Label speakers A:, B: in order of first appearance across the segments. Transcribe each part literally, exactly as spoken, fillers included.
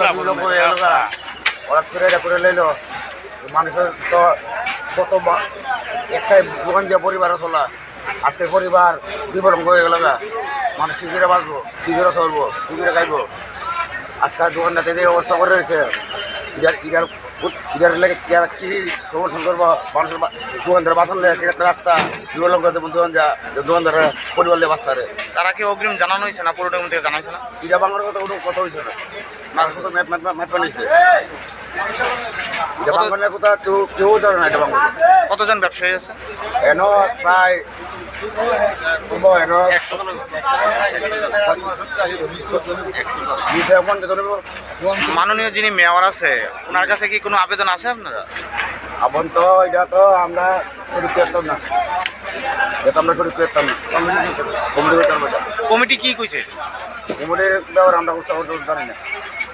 A: ওরা করে এটা করে লইলো মানুষের তো কত একটাই দোকান দিয়ে পরিবারও চলা আজকে পরিবার বিবরণ হয়ে গেল গা মানুষ কী করে বাঁচবো কী করে চলবো কী করে খাইবো আজকাল দোকানটাতে যে অবস্থা করে রয়েছে ইটার ইটার ইটার লেগে কী সমর্থন করবো মানুষের দোকানদার বাঁচান লেগে একটা রাস্তা বিবরণ করতে দোকান যা দোকানদারের পরিবার লেগে বাঁচতে পারে।
B: তারা কি অগ্রিম জানানো হয়েছে না পুরোটা থেকে জানাইছে না?
A: ইটা বাংলার কথা কোনো কথা হয়েছে না মাছ মতো ম্যাপ ম্যাপ ম্যাপ বানিয়েছে এটা বাংলার কথা কেউ কেউ জানে না এটা বাংলা।
B: কতজন ব্যবসায়ী আছে
A: এন প্রায়
B: মাননীয় যিনি মেয়র আছে ওনার কাছে কি কোনো আবেদন আছে আপনারা?
A: আবন তো এটা তো আমরা শরীর করতাম না এটা আমরা শরীর করতাম না কমিটি করতাম না।
B: কমিটি কি কইছে?
A: কমিটির ব্যাপারে আমরা জানি না।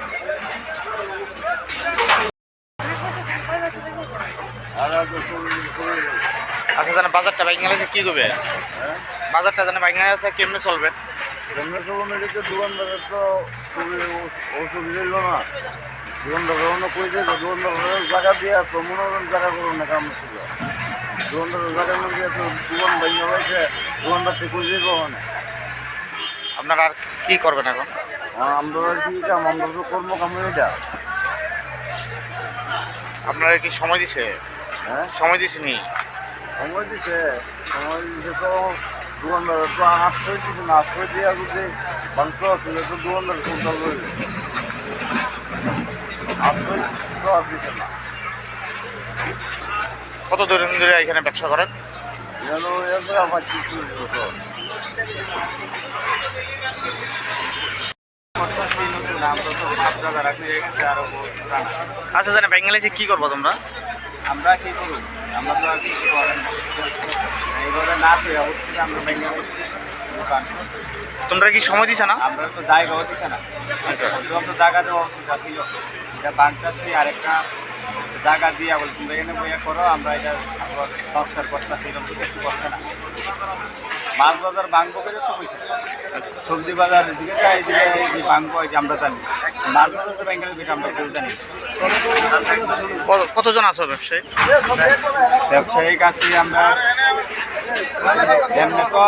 B: আচ্ছা জানে বাজারটা বাইক গেলে কি করবে? বাজারটা জানে বাইক গেলে আছে কেমনে চলবে?
A: কেমনে চলবে এটা দোকানদারের তো খুবই অসুবিধা হইল না দোকানদার কইছে দোকানদারের জায়গা দিয়ে তো মনোরঞ্জন জায়গা করুন না কাম ছিল দোকানদারের জায়গার মধ্যে তো দোকান বাইক হয়েছে দোকানদার থেকে কইছে কখন
B: আপনারা আর কি করবেন এখন?
A: আমরা কি কাম আমরা তো কর্ম কাম এটা
B: আপনারা কি সময় দিছে?
A: হ্যাঁ
B: সময় দিছে নি?
A: সময় দিছে সময় দিছে তো দোকানদার তো আশ্রয় দিচ্ছে না আশ্রয় দিয়ে যদি বাংশ ছিল তো দোকানদার কোনটা রয়েছে আশ্রয় তো আর দিচ্ছে না।
B: কত দূর ধরে এখানে ব্যবসা করেন?
A: যেন এরপরে আমার কিছু
B: আচ্ছা জানে ব্যাঙ্গালে কি করবো তোমরা?
A: আমরা কি করব আমরা তো আর কিছু করেন এইভাবে না পেয়ে অবশ্যই আমরা ব্যাঙ্গালে দোকান।
B: তোমরা কি সময় দিছে না?
A: আমরা তো জায়গা হচ্ছে না।
B: আচ্ছা
A: তো জায়গা দেওয়া অবস্থা ছিল এটা বাংলাদেশি আরেকটা জায়গা দিয়ে বলে তুমি এখানে বইয়া করো আমরা এটা সংস্কার করতেছি এরকম কিছু করছে না। মাছ বাজার ভাঙবো করে তো কইছে সবজি বাজার দিকে যাই দিকে এই ভাঙবো এই যে আমরা জানি মাছ বাজার তো ব্যাঙ্গালোর যেটা আমরা কেউ জানি।
B: কতজন আছো ব্যবসায়ী?
A: ব্যবসায়িক আছি আমরা এমনি তো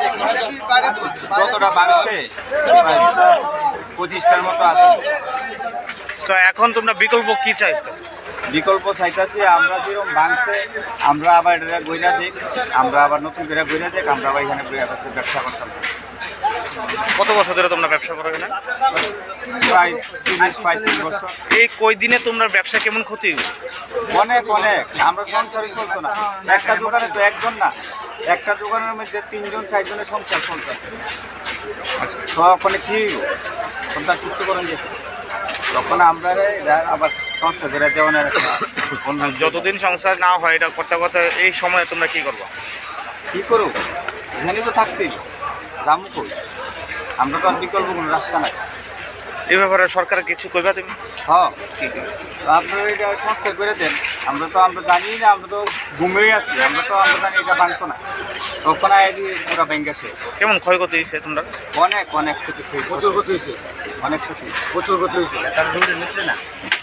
A: যতটা বাংছে পঁচিশটার মতো আছে।
B: তো এখন তোমরা বিকল্প কি চাইছো?
A: বিকল্প চাইতেছি আমরা যেরকম ভাঙছে আমরা আবার এটা গইরা দিক আমরা আবার নতুন করে গইরা দিক আমরা আবার এখানে ব্যবসা করতাম।
B: কত বছর ধরে তোমরা ব্যবসা করো এখানে?
A: প্রায় তিরিশ পঁয়ত্রিশ বছর।
B: এই কই দিনে তোমরা ব্যবসা কেমন ক্ষতি?
A: অনেক অনেক আমরা সংসারই চলতো না একটা দোকানে তো একজন না একটা দোকানের মধ্যে তিনজন চারজনের সংসার চলতেছে।
B: আচ্ছা
A: তখন কি সংসার চুক্ত করেন যেত তখন আমরা আবার সংসার করে দেওয়ানের
B: যতদিন সংসার না হয় এটা করতে করতে এই সময়ে তোমরা কি করবো?
A: কী করো এখানে তো থাকতেই জামু কই আমরা তো আর বিকল্প কোনো রাস্তা নাই।
B: এই ব্যাপারে সরকার কিছু কইবা তুমি?
A: হ্যাঁ আপনারা এটা সংস্কার করে দেন আমরা তো আমরা জানি না আমরা তো ঘুমিয়ে আছি আমরা তো আমরা জানি এটা ভাঙতো না তখন আইডি পুরো ব্যাংকে শেষ।
B: কেমন ক্ষয়ক্ষতি হয়েছে তোমরা?
A: অনেক অনেক ক্ষতি প্রচুর ক্ষতি হয়েছে অনেক ক্ষতি প্রচুর ক্ষতি হয়েছে তার নিচ্ছে না।